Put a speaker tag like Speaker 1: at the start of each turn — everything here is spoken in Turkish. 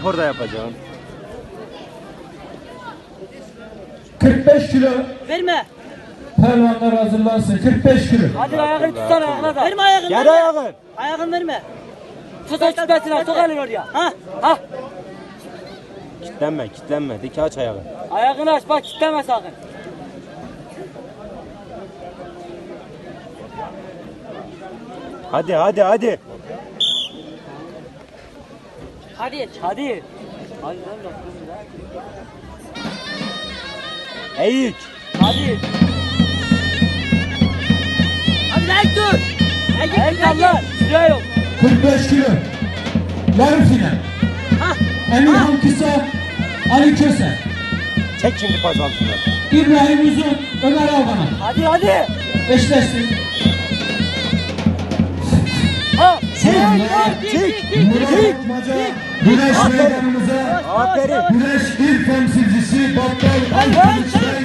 Speaker 1: Spor da yapacağım.
Speaker 2: 45 kilo.
Speaker 3: Verme.
Speaker 2: Pervanlar hazırlansın. 45 kilo.
Speaker 3: Hadi ayağını tutsana ayağına da. Verme ayağını.
Speaker 1: Gel
Speaker 3: verme.
Speaker 1: ayağını.
Speaker 3: Ayağını verme. Tut o kütlesine sok elini oraya. Ha? Ha?
Speaker 1: Kitlenme kitlenme. Dik aç ayağı.
Speaker 3: Ayağını aç bak kitleme sakın.
Speaker 1: Hadi hadi hadi.
Speaker 3: Hadi. Hadi. Hadi lan bak.
Speaker 1: Eğik.
Speaker 3: Hadi. Hadi lan dur. Eğik Allah. Süre yok.
Speaker 2: 45 kilo. Yarı final.
Speaker 3: Ha.
Speaker 2: Emirhan Kısa, Ali Köse.
Speaker 1: Çek şimdi pazartını.
Speaker 2: İbrahim Uzun, Ömer Albanan.
Speaker 3: Hadi hadi.
Speaker 2: Eşleşsin.
Speaker 3: Ha.
Speaker 2: Murat Atmaca, Güneş meydanımıza.
Speaker 1: Aferin.
Speaker 2: Güneş il temsilcisi Battal
Speaker 3: Hadi.
Speaker 2: Alkılıç'ta